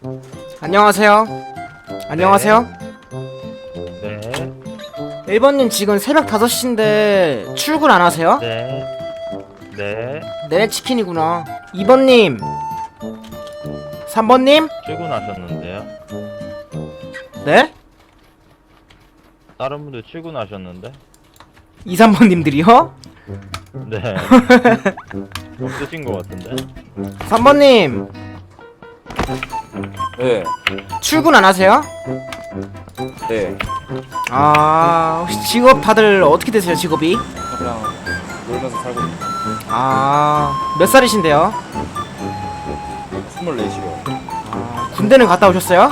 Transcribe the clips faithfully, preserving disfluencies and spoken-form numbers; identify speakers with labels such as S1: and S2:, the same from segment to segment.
S1: 안녕하세요. 안녕하세요.
S2: 네.
S1: 일 번님 지금 새벽 다섯 시인데 출근 안 하세요?
S2: 네. 네.
S1: 네, 치킨이구나. 이 번님. 삼 번님?
S2: 출근하셨는데요?
S1: 네?
S2: 다른 분들 출근하셨는데?
S1: 이, 삼 번님들이요?
S2: 네. 없으신 것 같은데?
S1: 삼 번님.
S3: 네,
S1: 출근 안 하세요?
S3: 네.
S1: 아, 혹시 직업 다들 어떻게 되세요, 직업이?
S3: 그냥 놀면서 살고 있는
S1: 아, 몇 살이신데요?
S3: 스물넷이요.
S1: 아, 군대는 갔다 오셨어요?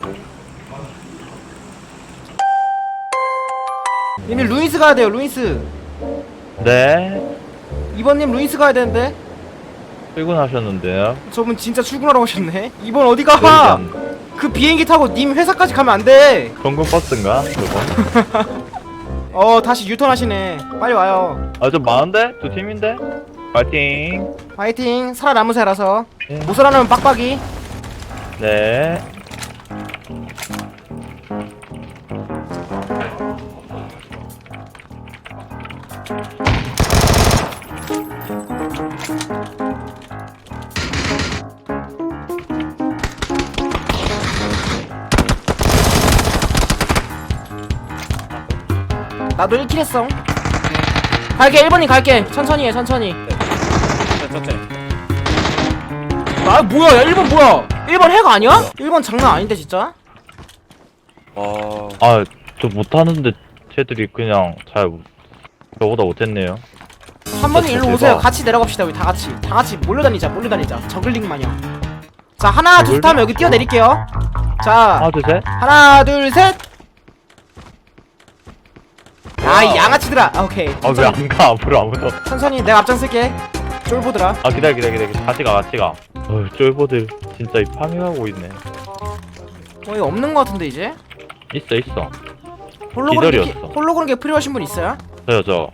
S1: 얘네 루이스 가야 돼요, 루이스.
S2: 네.
S1: 이 번님 루이스 가야 되는데?
S2: 출근하셨는데요?
S1: 저분 진짜 출근하러 오셨네. 이 번 어디 가?
S2: 여기가
S1: 그 비행기 타고 님 회사까지 가면 안 돼.
S2: 공군 버스인가? 그거?
S1: 어, 다시 유턴하시네. 빨리 와요.
S2: 아, 좀 많은데? 두 팀인데? 파이팅!
S1: 화이팅. 살아남으세요라서.
S2: 네.
S1: 못 살아남으면 빡빡이.
S2: 네.
S1: 나도 일 킬 했어. 갈게. 일 번님 갈게. 천천히 해, 천천히.
S3: 네, 천천히.
S1: 아, 뭐야. 야, 일 번 뭐야. 일 번 해가 아니야? 일 번 장난 아닌데 진짜?
S3: 아,
S2: 아, 저 못하는데 쟤들이 그냥 잘 저보다 못했네요.
S1: 삼 번님 일로
S2: 대박.
S1: 오세요. 같이 내려갑시다. 우리 다 같이. 다 같이 몰려다니자. 몰려다니자. 저글링 마냥. 자, 하나 둘 셋 하면 여기 뛰어내릴게요. 자,
S2: 하나, 둘, 셋.
S1: 하나 둘 셋. 아, 이 양아치들아. 아, 오케이.
S2: 아, 왜 안 가? 앞으로 아무도.
S1: 천천히 내가 앞장쓸게. 쫄보들아.
S2: 아, 기다려, 기다려, 기다려. 같이 가, 같이 가. 어, 쫄보들 진짜 이 파밍하고 있네.
S1: 어, 이거 없는 거 같은데 이제?
S2: 있어, 있어.
S1: 홀로그램 게,
S2: 기다렸어.
S1: 홀로그램 게 필요하신 분 있어요?
S2: 저요, 저.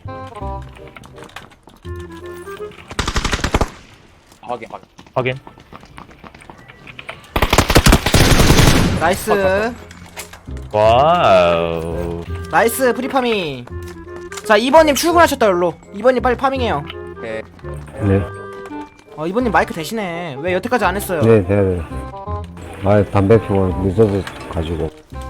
S3: 확인, 확인.
S2: 확인.
S1: 나이스.
S2: 와우.
S1: 나이스 프리파밍. 자, 이 번님 출근하셨다. 열로 이 번님 빨리 파밍해요.
S3: 오케이.
S4: 네,
S1: 어, 이 번님 마이크 대신에 왜 여태까지 안 했어요?
S4: 네, 네. 아, 담배 피워 늦어서 가지고.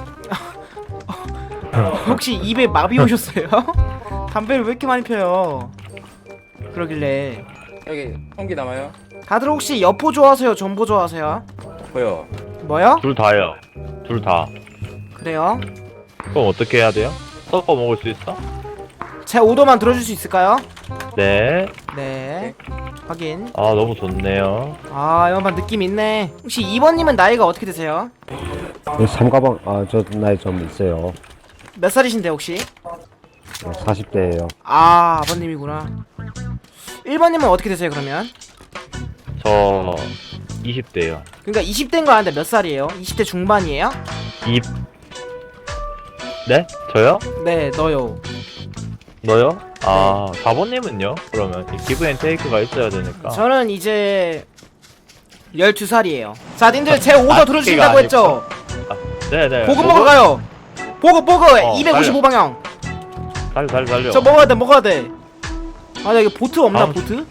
S1: 혹시 입에 마비 오셨어요? 담배를 왜 이렇게 많이 펴요? 그러길래.
S3: 여기 총기 남아요?
S1: 다들 혹시 여포 좋아하세요? 전보 좋아하세요?
S3: 보여.
S1: 뭐요?
S2: 둘 다요. 둘 다.
S1: 그래요?
S2: 그럼 어떻게 해야 돼요? 섞어 먹을 수 있어?
S1: 제 오더만 들어줄 수 있을까요?
S2: 네.
S1: 네. 확인.
S2: 아, 너무 좋네요.
S1: 아, 이번 느낌 있네. 혹시 이 번님은 나이가 어떻게 되세요?
S4: 이 삼가방, 아, 저 나이 좀 있어요.
S1: 몇 살이신데 혹시?
S4: 사십 대예요.
S1: 아, 아버님이구나. 일 번님은 어떻게 되세요 그러면?
S2: 저 이십 대요.
S1: 그러니까 이십 대인 거 아는데 몇 살이에요? 이십 대 중반이에요?
S2: 이 네? 저요?
S1: 네, 너요.
S2: 너요? 아, 사 번님은요? 그러면 이 기브 앤 테이크가 있어야 되니까.
S1: 저는 이제 열두 살이에요. 자, 님들 제 오더
S2: 아,
S1: 들어주신다고
S2: 그게
S1: 했죠?
S2: 네네.
S1: 보급 먹으러 가요. 보급 보급
S2: 어,
S1: 이백오십오 방향.
S2: 달려, 달려, 달려.
S1: 저 먹어야 돼, 먹어야 돼. 아, 나 이거 보트 없나,
S2: 아,
S1: 보트?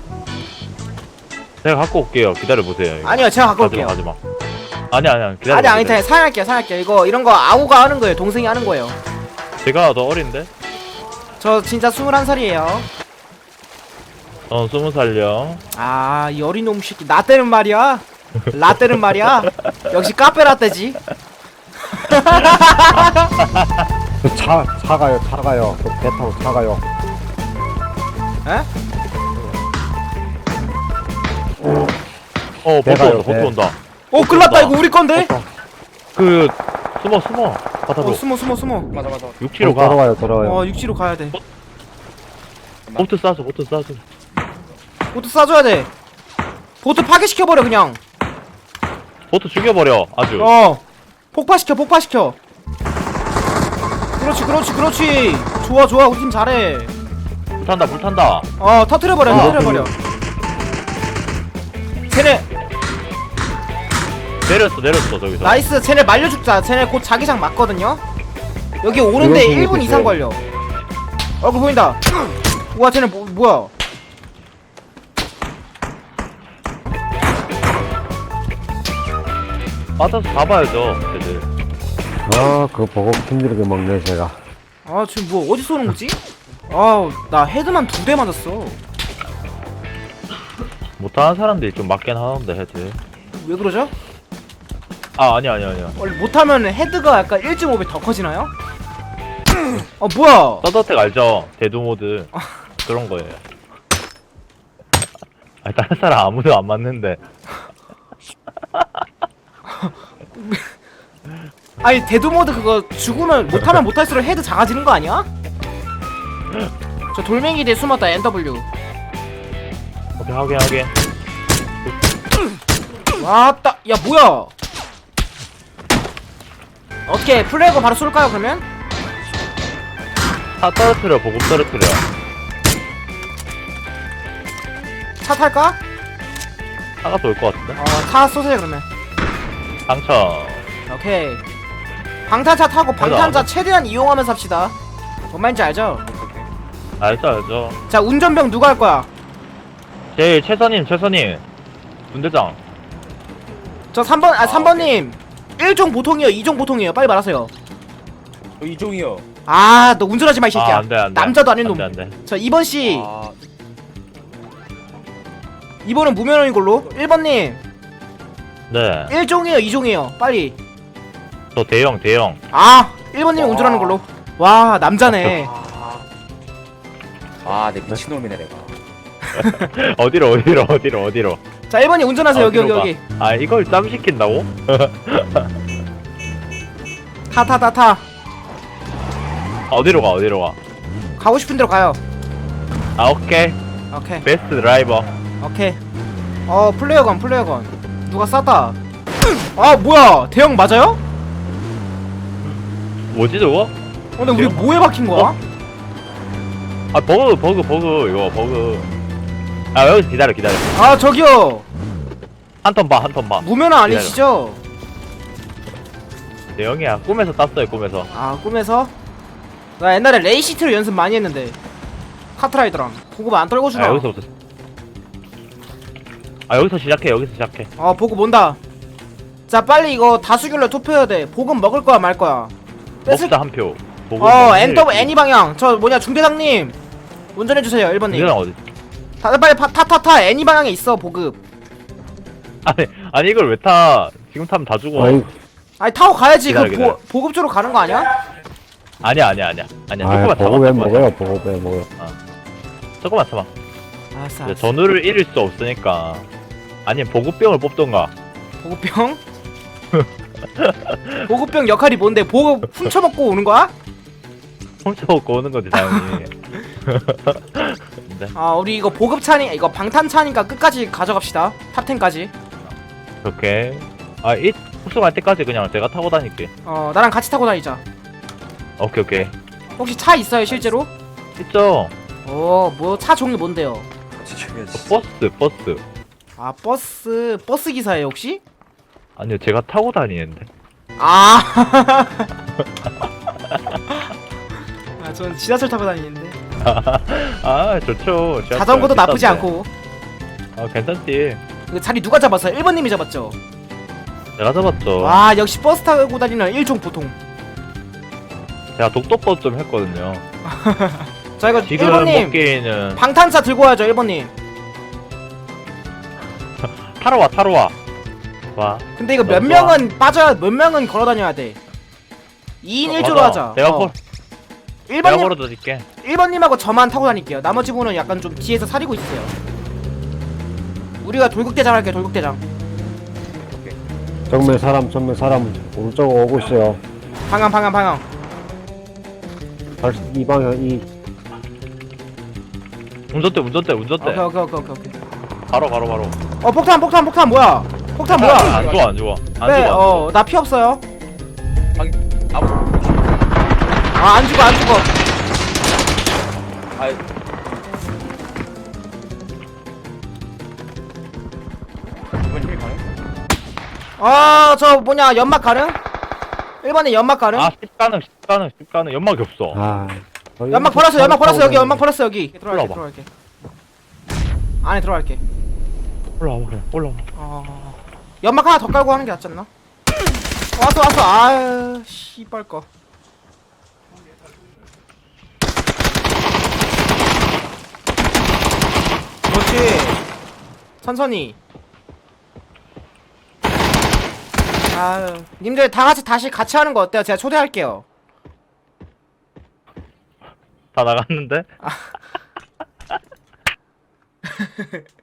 S2: 제가 갖고 올게요. 기다려보세요. 이거.
S1: 아니요, 제가 갖고 올게요.
S2: 가지마, 가지마. 아니, 아니, 기다려.
S1: 아니, 아니, 아니, 사양할게요, 사양할게요. 이거, 이런 거 아우가 하는 거예요. 동생이 하는 거예요.
S2: 제가 더 어린데?
S1: 저 진짜 스물한 살이에요.
S2: 전 스무 살요.
S1: 아, 이 어린 놈 새끼. 나 때는 말이야. 라떼는 말이야. 역시 카페 라떼지.
S4: 그 차, 차가요, 차가요. 그 배 타고 차가요.
S1: 에?
S2: 어, 보트
S4: 배가요,
S2: 온다, 보트
S4: 배.
S2: 온다.
S1: 어, 끌났다. 이거 우리 건데?
S2: 그, 숨어, 숨어. 바다로.
S1: 어, 숨어, 숨어, 숨어.
S3: 맞아, 맞아.
S2: 육 킬로 가.
S4: 돌아와요, 돌아와요.
S1: 어, 육지로 가야 돼.
S2: 보트 쏴줘, 보트 쏴줘.
S1: 보트 쏴줘야 돼. 보트 파괴시켜버려, 그냥.
S2: 보트 죽여버려, 아주.
S1: 어. 폭파시켜, 폭파시켜. 그렇지, 그렇지, 그렇지. 좋아, 좋아. 우리 팀 잘해.
S2: 불 탄다, 불 탄다.
S1: 어, 터트려버려,
S2: 아,
S1: 터트려버려. 쟤네.
S2: 내렸어 내렸어 저기서.
S1: 나이스. 쟤네 말려 죽자. 쟤네 곧 자기장 맞거든요. 여기 오는데
S4: 이건
S1: 일 분
S4: 보고
S1: 이상
S4: 있어요.
S1: 걸려. 얼굴 보인다. 우와 쟤네 뭐, 뭐야?
S2: 빠져서 잡아야죠 쟤들.
S4: 아 그거 보고 힘들게 먹네 제가.
S1: 아 지금 뭐 어디서 오는 거지? 아나 헤드만 두 대 맞았어.
S2: 못하는 사람들이 좀 맞긴 하는데 헤드.
S1: 왜 그러죠?
S2: 아 아니야 아니야 아니야.
S1: 원래 못하면 헤드가 약간 일 점 오 배 더 커지나요? 어 뭐야?
S2: 서더텍 알죠? 대두 모드 그런 거예요. 아 다른 사람 아무도 안 맞는데.
S1: 아니 데드모드 그거 죽으면 못하면 못할수록 헤드 작아지는 거 아니야? 저 돌멩이 대 숨었다 엔더블유.
S2: 오케이 확인 확인.
S1: 왔다. 야 뭐야? 어떻게 플래그 바로 쏠까요 그러면?
S2: 차 떨어뜨려 보급 떨어뜨려.
S1: 차 탈까?
S2: 차가 돌 것 같은데?
S1: 어차 쏘세요 그러면.
S2: 당첨.
S1: 오케이. 방탄차 타고 방탄차 최대한 이용하면서 합시다. 뭔 말인지 알죠?
S2: 알죠 알죠.
S1: 자 운전병 누가 할 거야?
S2: 제일 최선님 최선님. 분대장.
S1: 저 삼 번 아
S3: 아,
S1: 삼 번님 일 종 보통이요 이 종 보통이에요 빨리 말하세요.
S3: 저 이종이요.
S1: 아 너 운전하지 마 이 새끼야.
S2: 아 안돼 안돼.
S1: 남자도 아닌 놈.
S2: 안돼 안돼.
S1: 자 이 번 씨
S3: 아,
S1: 이 번은 무면허인 걸로. 일 번님
S2: 네.
S1: 일 종이에요 이 종이에요 빨리.
S2: 저 대형 대형.
S1: 아 일 번님이
S3: 와.
S1: 운전하는 걸로. 와 남자네.
S3: 아, 내 미친놈이네 내가.
S2: 어디로 어디로 어디로 어디로.
S1: 자 일 번님 운전하세요. 여기 여기
S2: 어디로
S1: 여기.
S2: 가? 아 이걸 짬 시킨다고?
S1: 타 타 타 타.
S2: 어디로 가 어디로 가?
S1: 가고 싶은 대로 가요.
S2: 아 오케이.
S1: 오케이
S2: 베스트 드라이버.
S1: 오케이. 어 플레이어건 플레이어건 누가 쐈다. 아 뭐야 대형 맞아요?
S2: 뭐지 저거?
S1: 어, 근데 우리
S2: 대형?
S1: 뭐에 박힌 거야?
S2: 어? 아 버그 버그 버그 이거 버그. 아 여기서 기다려 기다려.
S1: 아 저기요
S2: 한 턴 봐 한 턴 봐.
S1: 무면허 아니시죠?
S2: 대형이야. 꿈에서 땄어요 꿈에서.
S1: 아 꿈에서? 나 옛날에 레이시트로 연습 많이 했는데 카트라이더랑 보급 안 떨궈주나?
S2: 아 여기서부터. 아 여기서 시작해 여기서 시작해.
S1: 어 보급 온다. 자 빨리 이거 다수결로 투표해야 돼. 보급 먹을 거야 말 거야? 뺏을...
S2: 먹자 한 표. 보고
S1: 어
S2: 먹는
S1: 엔더
S2: 일이지.
S1: 애니 방향 저 뭐냐 중대장님 운전해주세요 일 번님.
S2: 이거는 어디?
S1: 다들 빨리 타타타 애니 방향에 있어 보급.
S2: 아니 아니 이걸 왜 타? 지금 타면 다 죽어.
S4: 아이
S1: 아니 타고 가야지.
S2: 기다려,
S1: 그
S2: 기다려.
S1: 보, 보급 쪽으로 가는 거 아니야?
S2: 아니야 아니야 아니야 아니야.
S4: 아
S2: 조금만
S4: 보고 왜
S2: 참아.
S4: 먹어요 보고 왜 먹어요.
S2: 조금만 참아.
S1: 알았어
S2: 이제
S1: 알았어.
S2: 전우를 잃을 수 없으니까. 아니면 보급병을 뽑던가.
S1: 보급병? 보급병 역할이 뭔데? 보급 훔쳐먹고 오는 거야?
S2: 훔쳐먹고 오는 거지 당연히. 근데
S1: 아 우리 이거 보급차니 이거 방탄차니까 끝까지 가져갑시다. 탑텐까지.
S2: 오케이. 아이 흡수할 때까지 그냥 제가 타고 다닐게.
S1: 어 나랑 같이 타고 다니자.
S2: 오케이 오케이.
S1: 혹시 차 있어요 실제로?
S2: 있죠.
S1: 어뭐 차 종류 뭔데요?
S3: 같이 죽여야지.
S2: 버스 버스.
S1: 아 버스 버스 기사예요 혹시?
S2: 아니요 제가 타고 다니는데.
S1: 아. 아, 전 지하철 타고 다니는데.
S2: 아 좋죠. 지하철
S1: 자전거도 나쁘지
S2: 비싼데.
S1: 않고.
S2: 아 괜찮지.
S1: 이거 자리 누가 잡았어요? 일 번님이 잡았죠?
S2: 제가 잡았죠.
S1: 와 역시 버스 타고 다니는 일종 보통.
S2: 제가 독도법 좀 했거든요.
S1: 자 이거
S2: 지금
S1: 일 번님
S2: 먹기에는
S1: 방탄차 들고 와야죠 일 번님.
S2: 타러 와 타러 와. 와.
S1: 근데 이거 몇
S2: 너무
S1: 명은 빠져야 몇 명은 걸어 다녀야 돼. 이 인 일 조로
S2: 맞아.
S1: 하자.
S2: 내가
S1: 어.
S2: 걸
S1: 일
S2: 내가
S1: 번님
S2: 걸어다 줄게.
S1: 일 번님하고 저만 타고 다닐게요. 나머지 분은 약간 좀 뒤에서 사리고 있으세요. 우리가 돌격대장 할게요. 돌격대장.
S4: 정면 사람 정면 사람 오른쪽 오고 있어요.
S1: 방향 방향 방향.
S4: 다시 이 방향 이
S2: 운전대 운전대 운전대.
S1: 오케이 오케이 오케이 오케이 오케이.
S2: 바로 바로 바로.
S1: 어 폭탄 폭탄 폭탄 뭐야? 폭탄 뭐야?
S2: 안 좋아 안 좋아. 안
S1: 네,
S2: 좋아.
S1: 어, 나 피 없어요.
S3: 아무.
S1: 아, 안 죽어, 안 죽어.
S3: 아, 이번 힐 가네.
S1: 아, 저 뭐냐, 연막 가능? 일 번에 연막 가능?
S2: 아, 십 가능, 십 가능, 십 가능. 연막이 없어.
S4: 아. 어,
S1: 연막
S4: 이거
S1: 버렸어, 연막 버렸어, 여기,
S4: 타고
S1: 연막 버렸어, 여기. 들어갈게,
S2: 올라와봐.
S1: 들어갈게. 안에 들어갈게.
S2: 올라와봐, 그냥. 올라와.
S1: 어... 연막 하나 더 깔고 하는 게 낫지 않나? 왔어, 왔어. 아유, 씨발 거. 그렇지. 천천히. 아유, 님들 다 같이 다시 같이 하는 거 어때요? 제가 초대할게요.
S2: 다 나갔는데?